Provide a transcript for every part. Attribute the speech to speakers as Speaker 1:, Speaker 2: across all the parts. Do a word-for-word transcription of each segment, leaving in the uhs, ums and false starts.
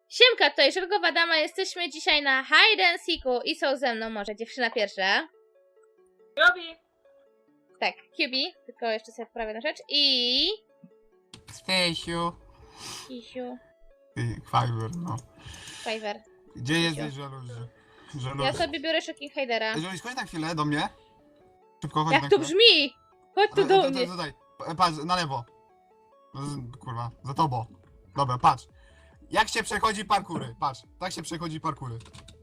Speaker 1: Siemka, tutaj Żelkowa Dama, jesteśmy dzisiaj na Hide and Seeku i są ze mną może dziewczyna pierwsza.
Speaker 2: Robi!
Speaker 1: Tak, Cubi, tylko jeszcze sobie poprawię na rzecz i...
Speaker 3: Stasiu.
Speaker 1: Kisiu,
Speaker 3: Ty, Fiverr, no.
Speaker 1: Fiverr.
Speaker 3: Gdzie jesteś, żaluzi? Żaluzi.
Speaker 1: Ja sobie biorę Shocking Hidera.
Speaker 3: Żaluzi, chodź na chwilę do mnie. Szybko, chodź na
Speaker 1: Jak to
Speaker 3: chwilę.
Speaker 1: brzmi? Chodź tu
Speaker 3: Ale,
Speaker 1: do
Speaker 3: to-
Speaker 1: mnie.
Speaker 3: to- Tutaj, Pa- patrz, na lewo. No, z- Kurwa, za tobą. Dobra, patrz. Jak się przechodzi parkury? Patrz, tak się przechodzi parkury.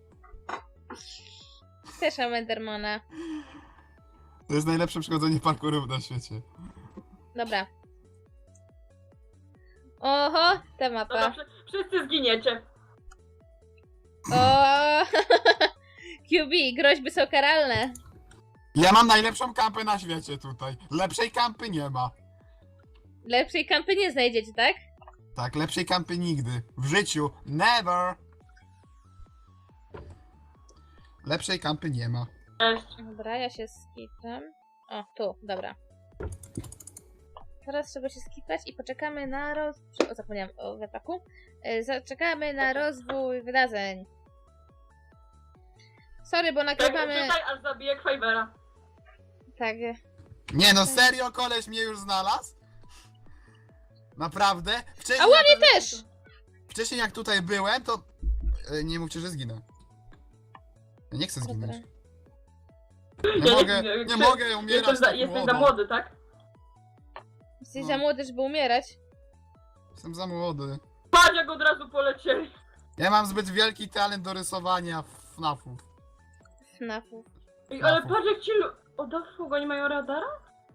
Speaker 1: Też mam Endermana.
Speaker 3: To jest najlepsze przechodzenie parkurów na świecie.
Speaker 1: Dobra. Oho, ta
Speaker 2: Dobra,
Speaker 1: mapa.
Speaker 2: wszy- wszyscy zginiecie.
Speaker 1: O, Cubi, groźby są karalne.
Speaker 3: Ja mam najlepszą kampę na świecie tutaj. Lepszej kampy nie ma.
Speaker 1: Lepszej kampy nie znajdziecie, tak?
Speaker 3: Tak, lepszej kampy nigdy. W życiu. Never. Lepszej kampy nie ma.
Speaker 2: Cześć.
Speaker 1: Dobra, ja się skipam. O, tu, dobra. Teraz trzeba się skipać i poczekamy na roz... O, zapomniałam o wetaku. E, Zaczekamy na rozwój wydarzeń. Sorry, bo
Speaker 2: Tak,
Speaker 1: nagrywamy...
Speaker 2: czytaj, aż zabiję Kwajwera.
Speaker 1: Tak.
Speaker 3: Nie no, serio koleś mnie już znalazł? Naprawdę? Wcześniej,
Speaker 1: A ładnie
Speaker 3: jak,
Speaker 1: też!
Speaker 3: wcześniej jak tutaj byłem, to... e, Nie mówcie, że zginę. Ja nie chcę
Speaker 1: Dobra.
Speaker 3: zginąć. Nie
Speaker 2: Ja
Speaker 3: mogę,
Speaker 2: nie-
Speaker 3: nie
Speaker 2: Krzyś,
Speaker 3: mogę umierać
Speaker 2: Jestem za,
Speaker 3: tak
Speaker 2: jesteś
Speaker 3: młodo.
Speaker 2: za młody, tak?
Speaker 1: Jesteś
Speaker 3: No.
Speaker 1: za młody, żeby umierać.
Speaker 3: Jestem za młody.
Speaker 2: Patrz, jak od razu polecieli.
Speaker 3: Ja mam zbyt wielki talent do rysowania FNAFów.
Speaker 1: Fnafów.
Speaker 2: Ej, ale
Speaker 3: Trafu.
Speaker 2: patrz, jak ci... lu- O, da fugo, nie mają radara?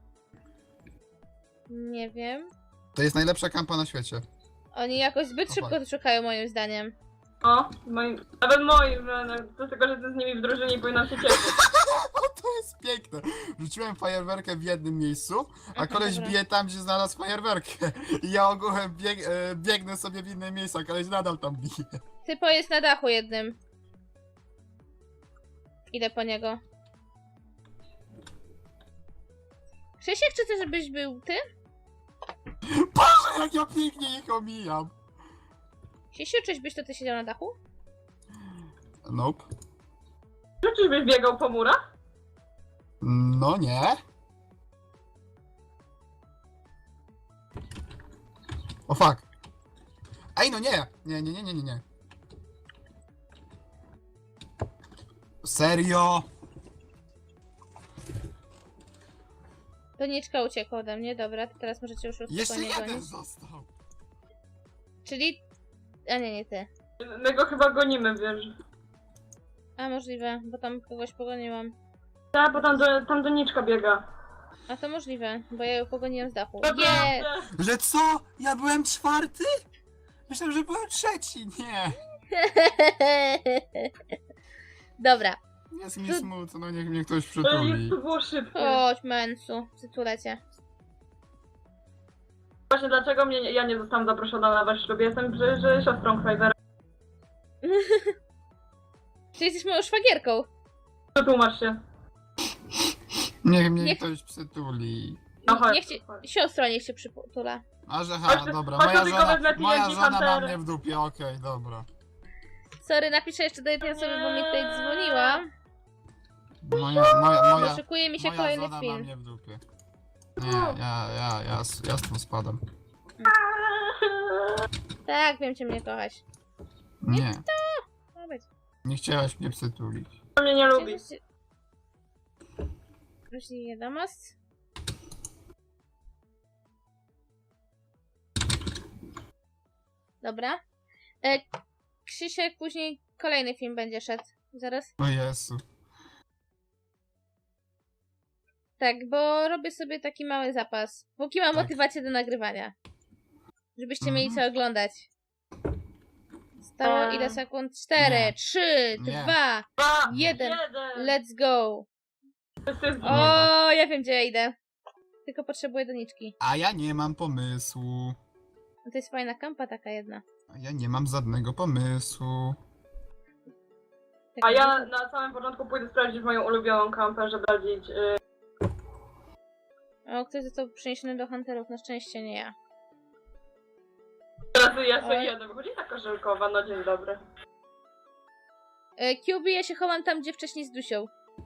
Speaker 1: Nie wiem.
Speaker 3: To jest najlepsza kampa na świecie.
Speaker 1: Oni jakoś zbyt
Speaker 3: No
Speaker 1: szybko
Speaker 3: tak.
Speaker 1: to szukają, moim zdaniem.
Speaker 2: O, moi... Nawet moi, że no, to tylko, że ty z nimi w drużynie i powinnam się cieszyć.
Speaker 3: To jest piękne. Rzuciłem fajerwerkę w jednym miejscu, a
Speaker 1: Aha,
Speaker 3: koleś
Speaker 1: dobra.
Speaker 3: bije tam, gdzie znalazł fajerwerkę. I ja ogółem bieg, e, biegnę sobie w inne miejsca, a koleś nadal tam bije.
Speaker 1: Typo jest na dachu jednym. Idę po niego. Krzysiek, czy chcesz, żebyś był ty?
Speaker 3: Boże, jak ja pięknie ich omijam.
Speaker 1: Krzysiu, czyś byś to ty siedział na dachu?
Speaker 3: Nope.
Speaker 2: Czy czyżbyś biegał po murach?
Speaker 3: No nie. O fuck. Ej, no nie. Nie, nie, nie, nie, nie, nie. Serio?
Speaker 1: Doniczka uciekła ode mnie, dobra, to teraz możecie już
Speaker 3: Jeszcze
Speaker 1: spokojnie
Speaker 3: jeden
Speaker 1: gonić.
Speaker 3: został.
Speaker 1: Czyli... A nie, nie ty.
Speaker 2: My go chyba gonimy, wiesz.
Speaker 1: A możliwe, bo tam kogoś pogoniłam.
Speaker 2: Tak, bo tam, do, tam doniczka biega.
Speaker 1: A to możliwe, bo ja ją pogoniłam z dachu.
Speaker 2: Naprawdę.
Speaker 1: Nie!
Speaker 3: Że co? Ja byłem czwarty? Myślałem, że byłem trzeci. Nie.
Speaker 1: Dobra,
Speaker 3: Jest mi
Speaker 1: To-
Speaker 3: smutno, niech mnie ktoś
Speaker 2: Ale
Speaker 3: przytuli.
Speaker 2: jest, to było szybkie.
Speaker 1: chodź Mensu, przytulę cię.
Speaker 2: Właśnie dlaczego mnie, nie- ja nie zostałam zaproszona na wasz ślub? Jestem że, że siostrą Kwajwera.
Speaker 1: Czy jesteś moją szwagierką?
Speaker 2: Przetłumacz się.
Speaker 3: Niech mnie
Speaker 1: Niech-
Speaker 3: ktoś przytuli.
Speaker 2: No chodź,
Speaker 1: Niech cię...
Speaker 2: chodź.
Speaker 1: Siostro niech się przytula.
Speaker 3: A że
Speaker 2: Chodź
Speaker 3: ha,
Speaker 2: tu-
Speaker 3: dobra,
Speaker 2: chodź
Speaker 3: moja
Speaker 2: tu tylko
Speaker 3: żona,
Speaker 2: wezmę
Speaker 3: moja
Speaker 2: T N T
Speaker 3: żona ma
Speaker 2: Hunter.
Speaker 3: mnie w dupie, okej, dobra.
Speaker 1: Sorry, napiszę jeszcze do jednej osoby, bo mi tutaj dzwoniła.
Speaker 3: Moja, moja, moja,
Speaker 1: Szykuje mi się
Speaker 3: moja
Speaker 1: kolejny
Speaker 3: żona ma
Speaker 1: film.
Speaker 3: mnie w dupie. Nie, ja, ja, ja, ja stąd spadam.
Speaker 1: Tak, wiem cię mnie kochać.
Speaker 3: Nie,
Speaker 1: Ma być.
Speaker 3: nie chciałaś mnie przytulić.
Speaker 2: To mnie nie lubi.
Speaker 1: Jeśli nie damas. Dobra. E, Krzysiek, później kolejny film będzie szedł. Zaraz.
Speaker 3: O Jezu.
Speaker 1: Tak, bo robię sobie taki mały zapas. Póki mam
Speaker 3: Tak.
Speaker 1: motywację do nagrywania. Żebyście mieli
Speaker 3: Mhm.
Speaker 1: co oglądać. Stało
Speaker 2: Eee.
Speaker 1: ile sekund? Cztery,
Speaker 3: Nie.
Speaker 1: trzy,
Speaker 3: Nie.
Speaker 1: dwa,
Speaker 2: Dwa,
Speaker 1: jeden.
Speaker 2: jeden.
Speaker 1: let's go.
Speaker 2: Wszyscy zginiemy.
Speaker 1: O, ja wiem gdzie ja idę. Tylko potrzebuję doniczki.
Speaker 3: A ja nie mam pomysłu.
Speaker 1: No to jest fajna kampa taka jedna.
Speaker 3: A ja nie mam żadnego pomysłu.
Speaker 1: Taka
Speaker 2: A ja na samym początku pójdę sprawdzić moją ulubioną kampę, żeby sprawdzić... Y,
Speaker 1: O, ktoś został przeniesiony do Hunterów, na szczęście nie ja.
Speaker 2: teraz jeszcze
Speaker 1: Oj.
Speaker 2: jeden. Wychodzi taka Korzelkowa, no dzień dobry.
Speaker 1: E, Q B, ja się chowam tam, gdzie wcześniej z Dusią.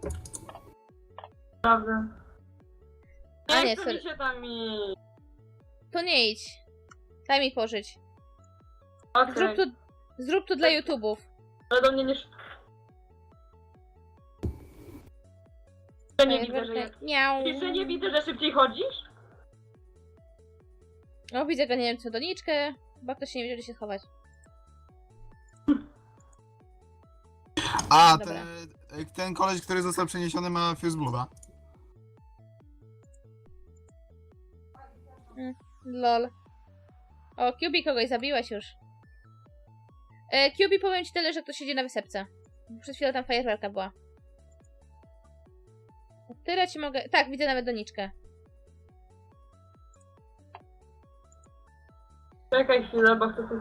Speaker 2: Prawda.
Speaker 1: A
Speaker 2: Nie
Speaker 1: nie,
Speaker 2: chce
Speaker 1: sorry.
Speaker 2: mi się tam i...
Speaker 1: To nie idź. Daj mi pożyć.
Speaker 2: Okej,
Speaker 1: Zrób tu, zrób tu dla YouTubów.
Speaker 2: ale do mnie nie... sz- Ja nie widzę, że jest.
Speaker 1: Miau.
Speaker 2: Czy nie widzę, że szybciej chodzisz?
Speaker 1: O, widzę ganiającą doniczkę. Chyba ktoś nie wiedział, gdzie się schować.
Speaker 3: A,
Speaker 1: Dobra.
Speaker 3: te, ten koleś, który został przeniesiony, ma Fuse Blood'a.
Speaker 1: Lol. O, Q B kogoś zabiłaś już. E, Q B, powiem ci tyle, że ktoś siedzi na wysepce. Przed chwilą tam fajerwerka była. Tyle ci mogę... Tak, widzę nawet doniczkę.
Speaker 2: Czekaj chwilę, bo chcę coś...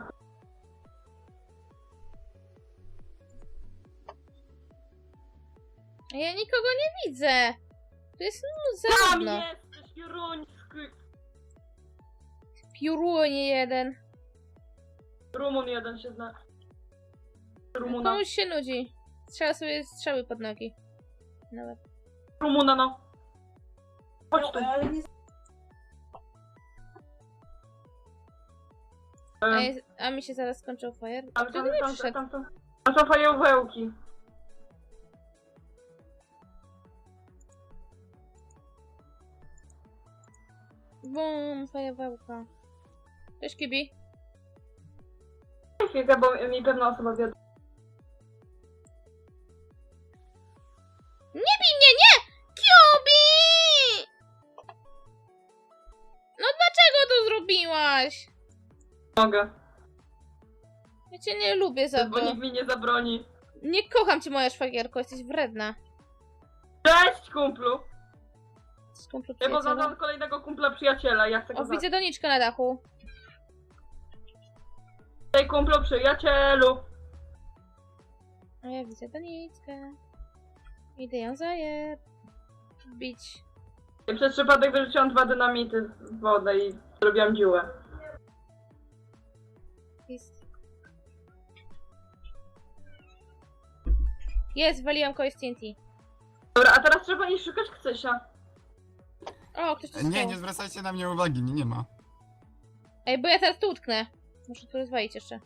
Speaker 1: A ja nikogo nie widzę. Tu jest no,
Speaker 2: Tam
Speaker 1: zarówno.
Speaker 2: jesteś, Juruński!
Speaker 1: Piorunie jeden.
Speaker 2: Rumun jeden się zna. Rumuna.
Speaker 1: Komuś się nudzi. Strzela sobie strzały pod nogi. Nawet.
Speaker 2: Rumuna, no. Chodź tu.
Speaker 1: A,
Speaker 2: E,
Speaker 1: jest, a mi się zaraz skończył fajer.
Speaker 2: Tam,
Speaker 1: Kto
Speaker 2: tam,
Speaker 1: do mnie
Speaker 2: tam,
Speaker 1: przyszedł?
Speaker 2: tam, tam. Tam są fajowełki.
Speaker 1: Bum, fajerwełka. Cześć, Kibi.
Speaker 2: Chwilkę, bo mi pewna osoba wiadomo.
Speaker 1: Nie bij mnie, nie! Kibi! No dlaczego to zrobiłaś?
Speaker 2: Mogę.
Speaker 1: Ja cię nie lubię za
Speaker 2: Bo
Speaker 1: to.
Speaker 2: nikt mi nie zabroni.
Speaker 1: Nie kocham cię, moja szwagierko, jesteś wredna.
Speaker 2: Cześć, kumplu!
Speaker 1: Z kumplu
Speaker 2: Ja
Speaker 1: przyjaciela.
Speaker 2: poznałam kolejnego kumpla przyjaciela, ja chcę go
Speaker 1: O,
Speaker 2: zabrać.
Speaker 1: widzę doniczkę na dachu.
Speaker 2: Cześć, kumplu przyjacielu!
Speaker 1: A ja widzę doniczkę. Idę ją zaje... bić.
Speaker 2: I przez przypadek wyrzuciłam dwa dynamity w wodę i zrobiłam dziurę.
Speaker 1: Jest. Jest, waliłam kogoś z T N T.
Speaker 2: Dobra, a teraz trzeba iść szukać Kcysia.
Speaker 1: O, ktoś tu
Speaker 3: Nie,
Speaker 1: stał.
Speaker 3: nie zwracajcie na mnie uwagi, nie, nie ma.
Speaker 1: Ej, bo ja teraz tu utknę. Muszę tu rozwalić jeszcze.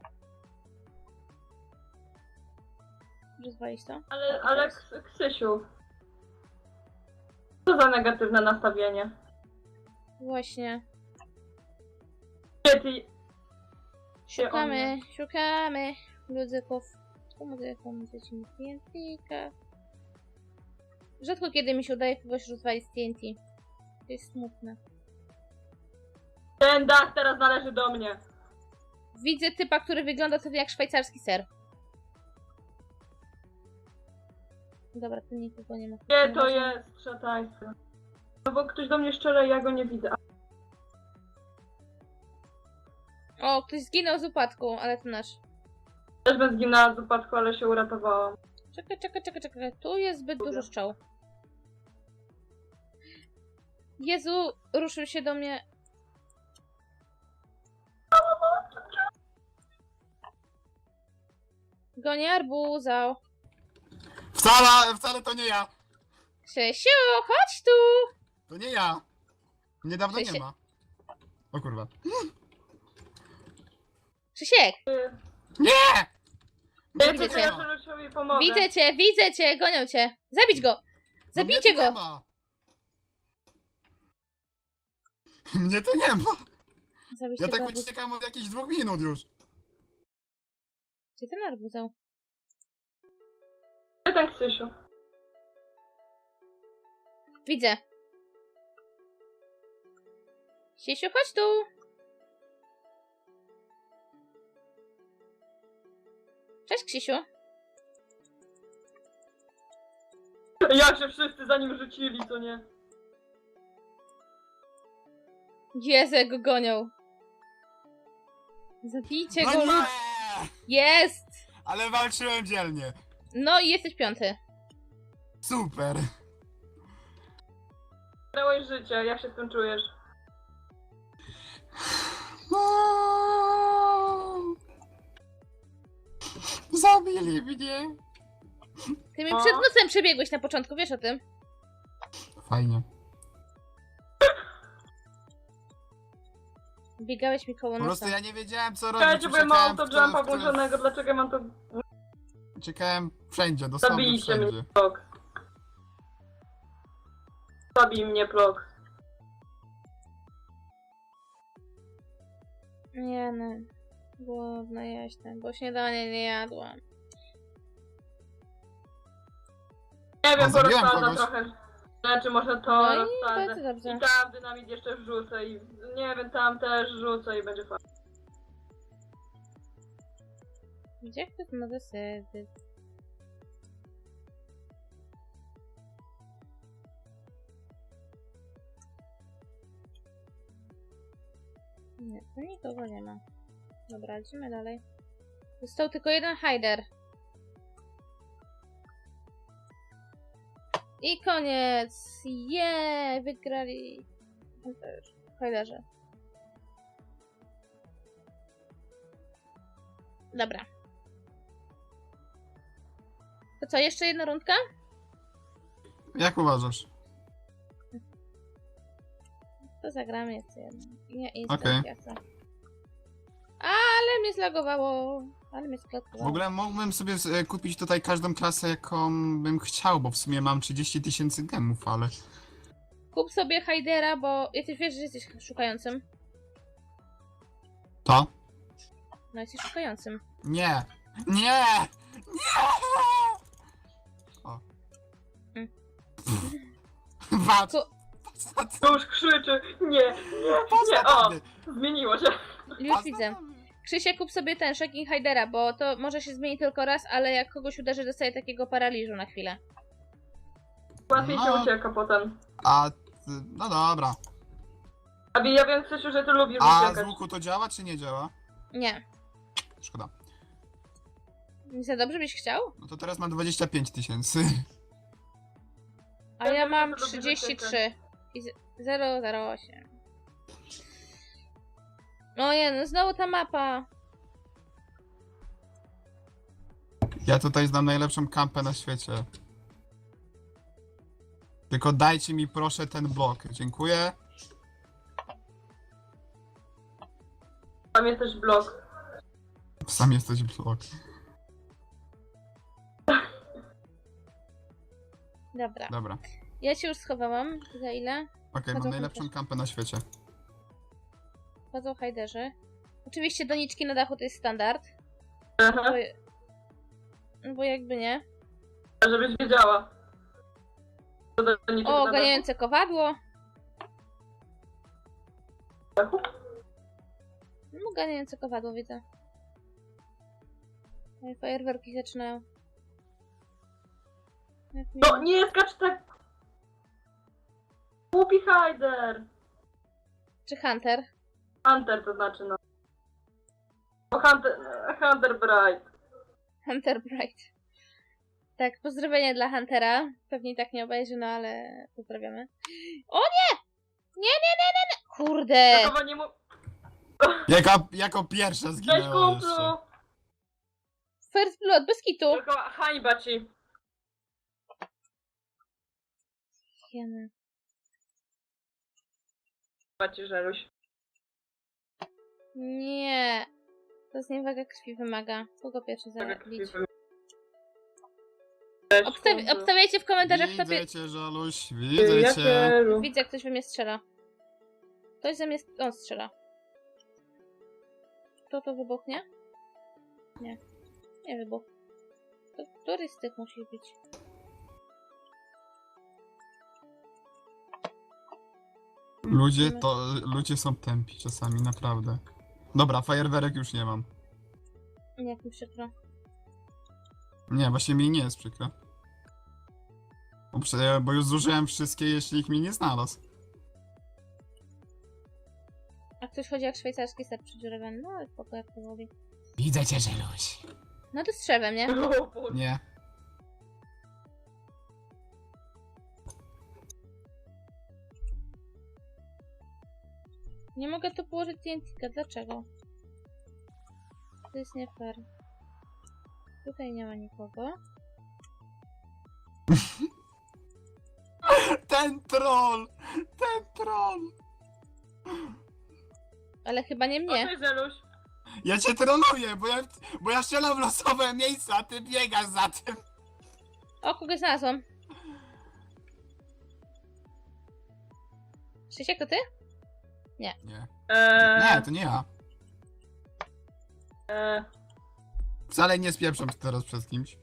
Speaker 1: Rozwalić to?
Speaker 2: Ale, ale Ks- Ksysiu. Co za negatywne nastawienie.
Speaker 1: Właśnie.
Speaker 2: Gdzie ty...
Speaker 1: Szukamy, szukamy muzyków. Tu muzyką, muzycznie T N T. Rzadko kiedy mi się udaje kogoś rozwalić z T N T. To jest smutne.
Speaker 2: Ten dach teraz należy do mnie.
Speaker 1: Widzę typa, który wygląda sobie jak szwajcarski ser. Dobra, tu nikogo nie ma.
Speaker 2: Gdzie to jest, szataństwo? No bo ktoś do mnie szczerze, ja go nie widzę.
Speaker 1: O, ktoś zginął z upadku, ale to nasz.
Speaker 2: Też bym zginęła z upadku, ale się uratowałam.
Speaker 1: Czekaj, czekaj, czekaj, czekaj. Tu jest zbyt dużo szczał. Jezu, ruszył się do mnie. Gonię arbuza.
Speaker 3: Wcale, wcale to nie ja!
Speaker 1: Krzysiu, chodź tu!
Speaker 3: To nie ja! Niedawno
Speaker 1: Krzysiek.
Speaker 3: nie ma. O kurwa.
Speaker 1: Krzysiek,
Speaker 3: Nie!
Speaker 2: Ja
Speaker 1: Widzę
Speaker 2: to
Speaker 1: cię.
Speaker 2: ja Żelusiowi pomogę.
Speaker 1: widzę cię, widzę cię, gonią cię. Zabić go!
Speaker 3: No mnie
Speaker 1: Zabijcie
Speaker 3: tu nie
Speaker 1: go!
Speaker 3: ma. Mnie tu nie ma!
Speaker 1: Zabijcie
Speaker 3: Ja
Speaker 1: go.
Speaker 3: tak
Speaker 1: arbuz.
Speaker 3: uciekam od jakichś dwóch minut już.
Speaker 1: Gdzie ten arbuzał?
Speaker 2: Gdzie ten Ksysiu?
Speaker 1: Widzę. Krzysiu, chodź tu! Cześć, Krzysiu.
Speaker 2: Jak się wszyscy za nim rzucili, co nie?
Speaker 1: Jezu, jak go gonią. Zabijcie
Speaker 3: No
Speaker 1: go.
Speaker 3: nie!
Speaker 1: Jest!
Speaker 3: Ale walczyłem dzielnie.
Speaker 1: No i jesteś piąty.
Speaker 3: Super.
Speaker 2: Dałeś życie, jak się z tym czujesz?
Speaker 3: No. Zabili mnie.
Speaker 1: Ty mi
Speaker 2: O.
Speaker 1: przed nosem przebiegłeś na początku, wiesz o tym?
Speaker 3: Fajnie.
Speaker 1: Biegałeś mi koło
Speaker 3: Po prostu
Speaker 1: nosa.
Speaker 3: ja nie wiedziałem co robić.
Speaker 2: Czekajcie, bo ja mam
Speaker 3: Uciekałem w
Speaker 2: autojumpa
Speaker 3: stronę, w którą-
Speaker 2: włączonego, dlaczego ja mam to
Speaker 3: Uciekałem wszędzie, dosłownie
Speaker 2: Zabijcie mnie.
Speaker 3: wszędzie.
Speaker 2: blok? Zabij mnie, blok.
Speaker 1: Nie no. Głodna jestem, bo śniadanie nie jadłam.
Speaker 2: Nie
Speaker 3: O,
Speaker 2: wiem,
Speaker 3: zabiłem
Speaker 2: porozsadzę
Speaker 3: kogoś.
Speaker 2: trochę rzeczy, może to
Speaker 1: No i
Speaker 2: rozsadzę.
Speaker 1: bardzo dobrze.
Speaker 2: I tam dynamit jeszcze wrzucę i nie wiem, tam też rzucę i będzie fajnie.
Speaker 1: Gdzie ktoś ma zasady? Nie, tu nikogo nie ma. Dobra, idziemy dalej. Został tylko jeden hider. I koniec! Jeee! Wygrali! Hiderze. Dobra. To co, jeszcze jedna rundka?
Speaker 3: Jak uważasz?
Speaker 1: To zagramy jeszcze jedną. Nie,
Speaker 3: Okej.
Speaker 1: instalacja. co? Ale mnie zlagowało. Ale mnie
Speaker 3: W
Speaker 1: sklatkowało.
Speaker 3: ogóle mógłbym sobie e, kupić tutaj każdą klasę, jaką bym chciał, bo w sumie mam trzydzieści tysięcy gemów, ale...
Speaker 1: Kup sobie Hidera, bo jesteś, wiesz, że jesteś szukającym.
Speaker 3: To?
Speaker 1: No, jesteś szukającym.
Speaker 3: Nie! Nie! Nie! O.
Speaker 1: Mm.
Speaker 3: Patrz!
Speaker 1: Ku-
Speaker 3: Patrz na to!
Speaker 2: Już krzyczy, nie, nie,
Speaker 3: Patrz
Speaker 2: nie,
Speaker 3: na
Speaker 2: o,
Speaker 3: to!
Speaker 2: zmieniło się.
Speaker 1: Już
Speaker 3: Patrz na
Speaker 1: widzę.
Speaker 3: to!
Speaker 1: Krzysie, kup sobie ten Shocking Hidera, bo to może się zmieni tylko raz, ale jak kogoś uderzy, dostaje takiego paraliżu na chwilę.
Speaker 2: Łatwiej się
Speaker 3: No.
Speaker 2: ucieka potem.
Speaker 3: A... ty- no dobra.
Speaker 2: Abi, ja wiem, Krzysiu, że ty lubisz
Speaker 3: A z
Speaker 2: uciekać.
Speaker 3: łuku to działa, czy nie działa?
Speaker 1: Nie.
Speaker 3: Szkoda.
Speaker 1: Nie za dobrze byś chciał?
Speaker 3: No to teraz mam dwadzieścia pięć tysięcy.
Speaker 1: A ja mam
Speaker 2: to lubię
Speaker 1: trzydzieści trzy.
Speaker 2: uciekać.
Speaker 1: I zero zero osiem. O nie, no znowu ta mapa.
Speaker 3: Ja tutaj znam najlepszą kampę na świecie. Tylko dajcie mi proszę ten blok. Dziękuję.
Speaker 2: Tam jest też blok.
Speaker 3: Sam jesteś blok.
Speaker 1: Dobra.
Speaker 3: Dobra.
Speaker 1: Ja cię już schowałam. Za ile?
Speaker 3: Okej,
Speaker 1: Chodzą
Speaker 3: mam najlepszą
Speaker 1: też.
Speaker 3: kampę na świecie.
Speaker 1: Chodzą hajderzy. Oczywiście doniczki na dachu to jest standard.
Speaker 2: Aha,
Speaker 1: Bo, no bo jakby nie.
Speaker 2: żebyś wiedziała. To do- do niczego
Speaker 1: O,
Speaker 2: na
Speaker 1: ganiające kowadło.
Speaker 2: dachu?
Speaker 1: No, ganiające kowadło widzę. No i fajerwerki zaczynają. Jak
Speaker 2: No
Speaker 1: miło.
Speaker 2: nie skacz tak! Głupi Hyder!
Speaker 1: Czy Hunter?
Speaker 2: Hunter to znaczy, no. O, Hunter, Hunter Bright.
Speaker 1: Hunter Bright. Tak, pozdrowienia dla Huntera. Pewnie i tak nie obejrzy, no ale pozdrawiamy. O nie! Nie, nie, nie, nie, nie! Kurde!
Speaker 2: Takowa nie mu...
Speaker 3: Jako, jako pierwsza
Speaker 2: Cześć
Speaker 3: zginęła
Speaker 2: kumplu!
Speaker 3: jeszcze.
Speaker 1: First Blood, bez kitu!
Speaker 2: Tylko hańba ci.
Speaker 1: Jemy.
Speaker 2: Hańba ci, Żeluś.
Speaker 1: Nie. To zniewaga krwi wymaga. Kogo pierwszy zabić?
Speaker 2: Cześć,
Speaker 1: Obstawi
Speaker 2: kumplu.
Speaker 1: obstawiajcie w komentarzach, kto
Speaker 3: Widzę
Speaker 1: pie...
Speaker 3: cię, Żaluś,
Speaker 2: Ty,
Speaker 3: widzę
Speaker 2: ja
Speaker 3: cię.
Speaker 2: Żelu.
Speaker 1: Widzę, jak ktoś we mnie strzela. Ktoś ze mnie... On strzela. Kto to wybuchnie? Nie. Nie wybuch. To który z tych musi być?
Speaker 3: Ludzie to, ludzie są tępi czasami, naprawdę. Dobra, fajerwerek już nie mam.
Speaker 1: Jak mi przykro.
Speaker 3: Nie, właśnie mi nie jest przykro. Bo, prze- bo już zużyłem wszystkie, jeśli ich mi nie znalazł.
Speaker 1: A ktoś chodzi jak szwajcarski ser przedziurawiony. No ale spoko, jak to woli.
Speaker 3: Widzę cię, Żeluś.
Speaker 1: No to strzewem, nie?
Speaker 2: O, Boże.
Speaker 3: Nie.
Speaker 1: Nie mogę tu położyć T N T. Dlaczego? To jest nie fair. Tutaj nie ma nikogo.
Speaker 3: Ten troll! Ten troll!
Speaker 1: Ale chyba nie
Speaker 2: O,
Speaker 1: mnie.
Speaker 2: cześć, Zeluś.
Speaker 3: Ja cię troluję, bo ja, bo ja strzelam w losowe miejsca, a ty biegasz za tym.
Speaker 1: O, kogoś znalazłam. Krzysiek, to ty?
Speaker 3: Nie.
Speaker 2: Eee,
Speaker 3: Nie, to nie ja.
Speaker 2: eee,
Speaker 3: Wcale nie spieprzam teraz przez kimś.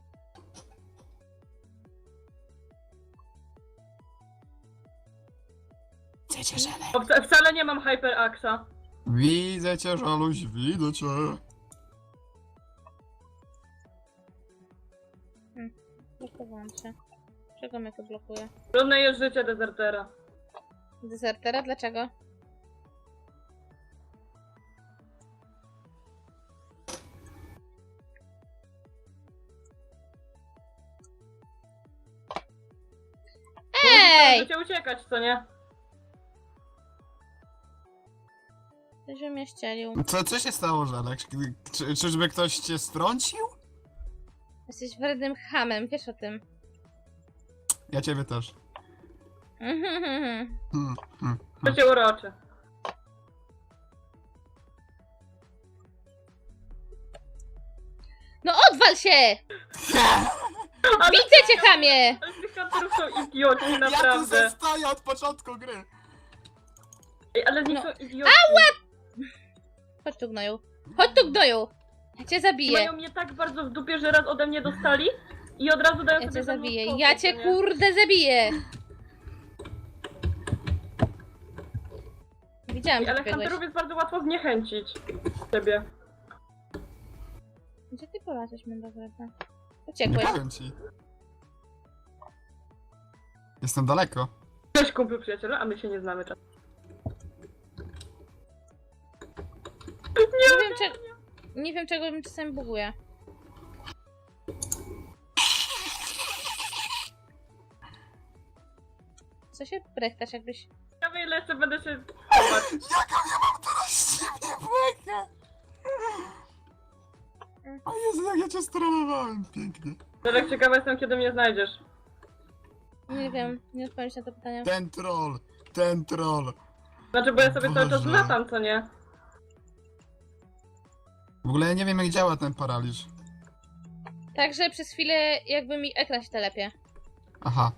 Speaker 3: Widzę cię, Żelek.
Speaker 2: o, wca- wcale nie mam HyperAxa.
Speaker 3: Widzę cię, Żaluś, widzę cię.
Speaker 1: Blokowałam się. Czego mnie to blokuje?
Speaker 2: Trudne jest życie dezertera.
Speaker 1: Dezertera? Dlaczego? Ej!
Speaker 2: Możecie uciekać, co nie?
Speaker 1: Ktoś mnie ścielił.
Speaker 3: Co, co się stało, Żelek? Czy, czyżby ktoś cię strącił?
Speaker 1: Jesteś wrednym chamem, wiesz o tym.
Speaker 3: Ja ciebie też.
Speaker 1: Mhm.
Speaker 3: Hmm, hmm.
Speaker 2: To cię uroczy.
Speaker 1: No odwal się!
Speaker 2: Ale,
Speaker 1: Widzę cię, chamie!
Speaker 2: ale tych kantorów są idioci,
Speaker 3: Ja tu
Speaker 2: naprawdę.
Speaker 3: se stoję od początku gry.
Speaker 2: Ej, ale z nich
Speaker 1: No.
Speaker 2: są idioci.
Speaker 1: Chodź tu, gnoju. Chodź tu, gnoju! Ja cię
Speaker 2: I
Speaker 1: zabiję.
Speaker 2: mają mnie tak bardzo w dupie, że raz ode mnie dostali i od razu dają
Speaker 1: Ja
Speaker 2: sobie
Speaker 1: cię
Speaker 2: ze mną
Speaker 1: zabiję.
Speaker 2: spokój,
Speaker 1: Ja
Speaker 2: co
Speaker 1: cię
Speaker 2: nie?
Speaker 1: kurde zabiję! Widziałam,
Speaker 2: Ej,
Speaker 1: że
Speaker 2: ale
Speaker 1: biegłeś.
Speaker 2: kantorów jest bardzo łatwo zniechęcić ciebie.
Speaker 1: Gdzie ty polazłeś, Mendowredna?
Speaker 3: Nie
Speaker 1: Uciekłeś.
Speaker 3: powiem ci. Jestem daleko.
Speaker 2: Cześć kumplu przyjacielu, a my się nie znamy czasem.
Speaker 1: Nie wiem, czy... Nie wiem, czego mi czasami buguje. Co się brechtasz, jakbyś...
Speaker 2: Ciekawe ile jeszcze będę się chować.
Speaker 3: Jaką ja mam teraz ciemnie błękę? O Jezu, jak ja cię stronowałem pięknie.
Speaker 2: Zresztą ciekawa jestem, kiedy mnie znajdziesz.
Speaker 1: Nie wiem, nie odpowiem ci na to pytanie.
Speaker 3: Ten troll, ten troll.
Speaker 2: Znaczy, bo ja sobie cały czas
Speaker 3: Boże.
Speaker 2: latam, co nie?
Speaker 3: W ogóle ja nie wiem jak działa ten paraliż.
Speaker 1: Także przez chwilę jakby mi ekran się telepie.
Speaker 3: Aha.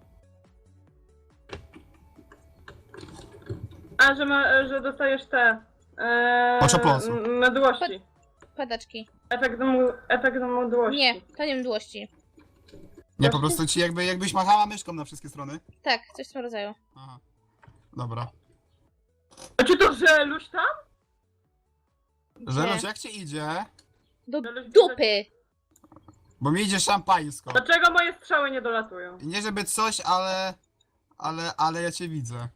Speaker 2: A, że, ma, że dostajesz te... Ee,
Speaker 3: Oczopląsu.
Speaker 2: m- mdłości.
Speaker 1: Padaczki.
Speaker 2: Efekt, mu, efekt mdłości.
Speaker 1: Nie, to nie mdłości.
Speaker 3: Nie, po prostu ci jakby, jakbyś machała myszką na wszystkie strony.
Speaker 1: Tak, coś w tym rodzaju.
Speaker 3: Aha. Dobra.
Speaker 2: A czy to żeluś tam?
Speaker 3: Żeluś, jak ci idzie?
Speaker 1: Do
Speaker 2: Żeluś
Speaker 1: dupy!
Speaker 3: Bo mi idzie szampańsko.
Speaker 2: Dlaczego moje strzały nie dolatują?
Speaker 3: I nie żeby coś, ale... Ale, ale ja cię widzę.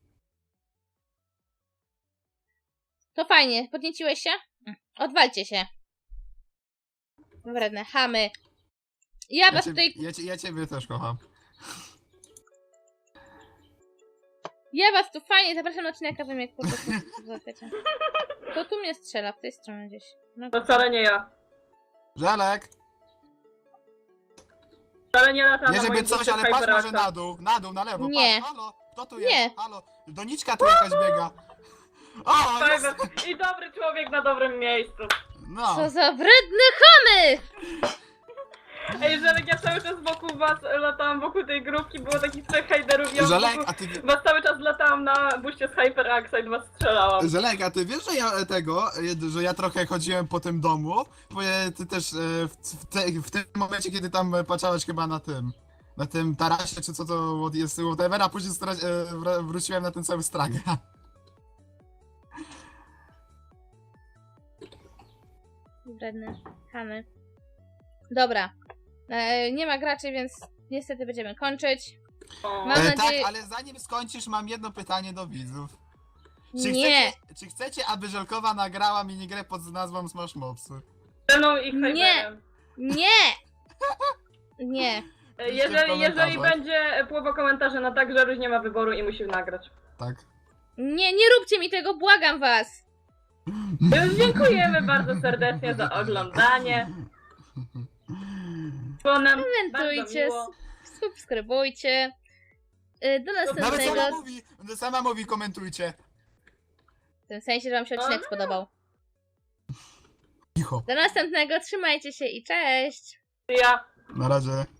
Speaker 1: To fajnie, podnieciłeś się? Odwalcie się. Wredne chamy. Ja
Speaker 3: Ja,
Speaker 1: was
Speaker 3: cię,
Speaker 1: tutaj...
Speaker 3: ja, cię, ja ciebie też kocham.
Speaker 1: Ja was tu fajnie zapraszam na odcinek, a wy mnie kurde złapiecie. To tu mnie strzela, w tej stronie gdzieś. No,
Speaker 2: To wcale nie ja.
Speaker 3: Żelek!
Speaker 2: Wcale nie lata
Speaker 3: Nie
Speaker 2: na
Speaker 3: żeby
Speaker 2: moim
Speaker 3: coś,
Speaker 2: bucie
Speaker 3: ale patrz może
Speaker 2: Hyperaxa.
Speaker 3: na dół, na dół, na lewo,
Speaker 1: Nie.
Speaker 3: patrz, halo, kto tu
Speaker 1: Nie.
Speaker 3: jest, halo, doniczka tu jakaś biega. O, jest.
Speaker 2: Cyber. I dobry człowiek na dobrym miejscu.
Speaker 3: No,
Speaker 1: co za wredne chamy!
Speaker 2: Ej, Żelek, ja cały czas wokół was latałam, wokół tej grupki, było takich trzech hejderów, ja
Speaker 3: Żelek,
Speaker 2: wokół
Speaker 3: a ty,
Speaker 2: was cały czas latałam na buście z HyperAxa i do was strzelałam.
Speaker 3: Żelek, a ty wiesz, że ja e, tego, e, że ja trochę chodziłem po tym domu, bo e, ty też e, w, w, te, w tym momencie, kiedy tam e, patrzałeś chyba na tym, na tym tarasie, czy co to jest, whatever, a później stra- e, wr- wróciłem na ten cały straga.
Speaker 1: Wredne chamy. Dobra. E, nie ma graczy, więc niestety będziemy kończyć.
Speaker 2: O.
Speaker 1: Mam
Speaker 3: E,
Speaker 1: nadzieję-
Speaker 3: tak, ale zanim skończysz, mam jedno pytanie do widzów. Czy
Speaker 1: Nie.
Speaker 3: chcecie, czy chcecie, aby Żelkowa nagrała minigrę pod nazwą Smash Mobsy?
Speaker 2: Ze mną i
Speaker 1: Nie.
Speaker 2: Hyperem.
Speaker 1: Nie! Nie.
Speaker 2: Ej,
Speaker 3: Piszcie w
Speaker 2: Jeżeli, jeżeli
Speaker 3: komentarzach.
Speaker 2: będzie połowa komentarzy na tak, że Ruś nie ma wyboru i musi nagrać.
Speaker 3: Tak.
Speaker 1: Nie, nie róbcie mi tego, błagam was!
Speaker 2: Więc dziękujemy bardzo serdecznie za oglądanie. Było nam
Speaker 1: Komentujcie,
Speaker 2: bardzo miło.
Speaker 1: s- subskrybujcie. Y, Do
Speaker 3: Nawet
Speaker 1: następnego.
Speaker 3: sama mówi, sama mówi, komentujcie.
Speaker 1: W tym sensie, że wam się odcinek
Speaker 2: Aha.
Speaker 1: spodobał.
Speaker 3: Cicho.
Speaker 1: Do następnego, trzymajcie się i cześć!
Speaker 2: Ja.
Speaker 3: Na razie.